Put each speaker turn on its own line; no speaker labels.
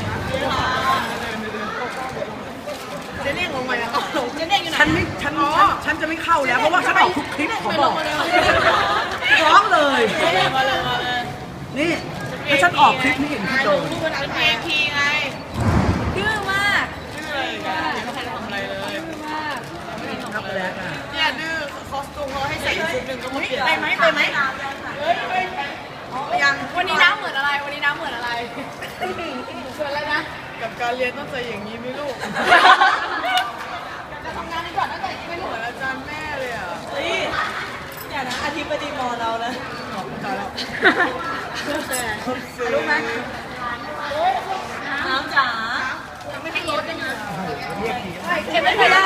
เจเน่งลงมาแล้วเจเน่งอยู่ไหน
ฉันจะไม่เข้าแล้วเพราะว่าฉันออกทุกคลิปขอบอกร้องเลยนี่ถ้าฉันออกคลิปนี่เห็นพี่โดน
เป็นเพลงทีไง
ดื้อมาก
ดื้อเลยไม่ทันทำอะไรเลย
ดื้อมาก
ครับไปแล้วอ่ะ
เนี่ยดื้อคอสตูมเขาให้ใส่ชุดหนึ่งก็มาเปลี่ยนไปไหมยัง
วันนี้น้ำเหมือนอะไรวันนี้น้ำเหมือนอะไรเหมือนอะไรนะ
กับการเรียนต้องใจอย่างนี้ไหมลูก
จะทำงานดีกว่าตั้งแต่ไม่
เห
รู้
มือนอาจารย์แม่เลยอ่ะ
อย่านะอธิบดีมอเรานะ
รู้ไหม
น้ำจ๋า
ไม่ให้รถเลยนะ
เรียกที
เก็บไว้เลย